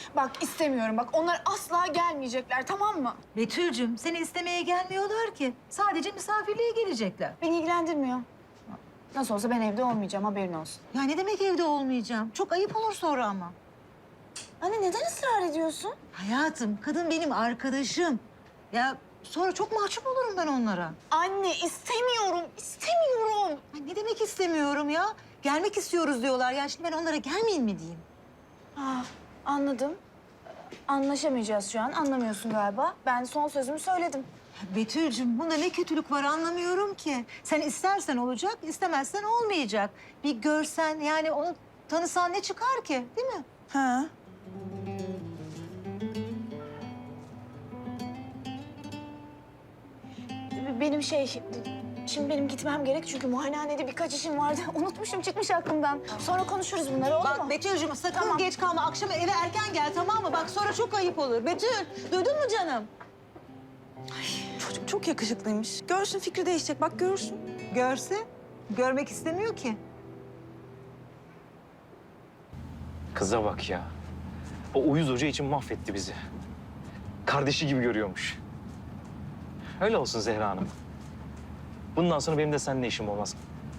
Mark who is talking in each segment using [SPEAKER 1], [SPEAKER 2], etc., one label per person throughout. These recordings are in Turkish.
[SPEAKER 1] Bak istemiyorum bak. Onlar asla gelmeyecekler, tamam mı?
[SPEAKER 2] Betül'cüm seni istemeye gelmiyorlar ki. Sadece misafirliğe gelecekler.
[SPEAKER 1] Beni ilgilendirmiyor. Nasıl olsa ben evde olmayacağım, haberin olsun.
[SPEAKER 2] Ya ne demek evde olmayacağım? Çok ayıp olur sonra ama.
[SPEAKER 1] Anne neden ısrar ediyorsun?
[SPEAKER 2] Hayatım, kadın benim arkadaşım. Ya sonra çok mahcup olurum ben onlara.
[SPEAKER 1] Anne istemiyorum, istemiyorum.
[SPEAKER 2] Ay, ne demek istemiyorum ya? Gelmek istiyoruz diyorlar. Ya şimdi ben onlara gelmeyin mi diyeyim?
[SPEAKER 1] Anladım. Anlaşamayacağız şu an, anlamıyorsun galiba. Ben son sözümü söyledim.
[SPEAKER 2] Ya Betül'cüm bunda ne kötülük var anlamıyorum ki. Sen istersen olacak, istemezsen olmayacak. Bir görsen yani onu tanısan ne çıkar ki değil mi?
[SPEAKER 1] Ha. Benim şimdi benim gitmem gerek çünkü muayenehanede birkaç işim vardı. Unutmuşum, çıkmış aklımdan. Sonra konuşuruz bunları, olur mu?
[SPEAKER 2] Bak Betül'cüm sakın
[SPEAKER 1] Tamam.
[SPEAKER 2] geç kalma. Akşam eve erken gel tamam mı? Bak sonra çok ayıp olur. Betül duydun mu canım?
[SPEAKER 3] Çocuk çok yakışıklıymış. Görsün fikri değişecek. Bak görürsün.
[SPEAKER 2] Görse görmek istemiyor ki.
[SPEAKER 4] Kıza bak ya. O uyuz hoca için mahvetti bizi. Kardeşi gibi görüyormuş. Öyle olsun Zehra Hanım. Bundan sonra benim de seninle işim olmaz.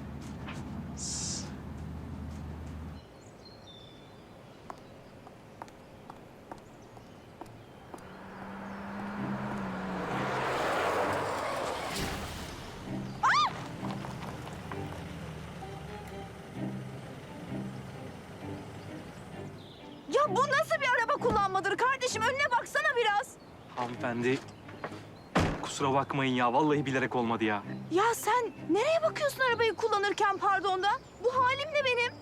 [SPEAKER 3] Ya bu nasıl bir araba kullanmadır kardeşim? Önüne baksana biraz.
[SPEAKER 4] Hanımefendi, kusura bakmayın ya. Vallahi bilerek olmadı ya.
[SPEAKER 3] Ya sen nereye bakıyorsun arabayı kullanırken pardon da? Bu halim ne benim?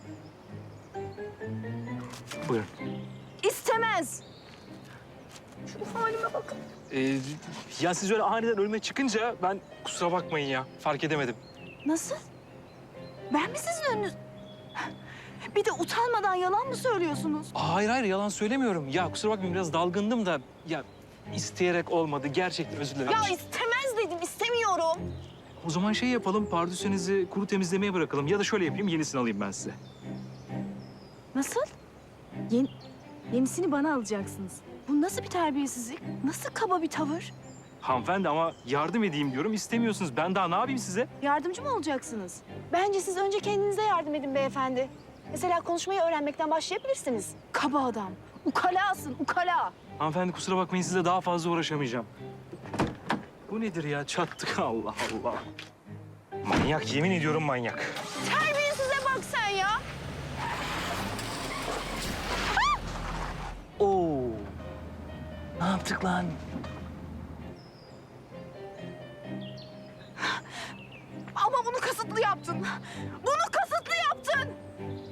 [SPEAKER 4] Buyurun.
[SPEAKER 3] İstemez. Şu halime bakın.
[SPEAKER 4] Ya siz öyle aniden önüme çıkınca ben kusura bakmayın ya. Fark edemedim.
[SPEAKER 3] Nasıl? Ben mi sizin önünüz? Bir de utanmadan yalan mı söylüyorsunuz?
[SPEAKER 4] Hayır hayır yalan söylemiyorum. Ya kusura bakmayın biraz dalgındım da ya isteyerek olmadı. Gerçekten özür dilerim.
[SPEAKER 3] Ya istemez dedim, istemiyorum.
[SPEAKER 4] O zaman şey yapalım, pardüsenizi kuru temizlemeye bırakalım. Ya da şöyle yapayım, yenisini alayım ben size.
[SPEAKER 3] Nasıl? Yenisini bana alacaksınız. Bu nasıl bir terbiyesizlik? Nasıl kaba bir tavır?
[SPEAKER 4] Hanımefendi ama yardım edeyim diyorum, istemiyorsunuz. Ben daha ne yapayım size?
[SPEAKER 3] Yardımcı mı olacaksınız? Bence siz önce kendinize yardım edin beyefendi. Mesela konuşmayı öğrenmekten başlayabilirsiniz. Kaba adam. Ukalasın, ukala.
[SPEAKER 4] Hanımefendi kusura bakmayın, size daha fazla uğraşamayacağım. Bu nedir ya? Çattık Allah Allah. Manyak, yemin ediyorum manyak.
[SPEAKER 3] Terbiyesize bak sen ya.
[SPEAKER 4] Oo. Ne yaptık lan?
[SPEAKER 3] Ama bunu kasıtlı yaptın. Bunu kasıtlı yaptın.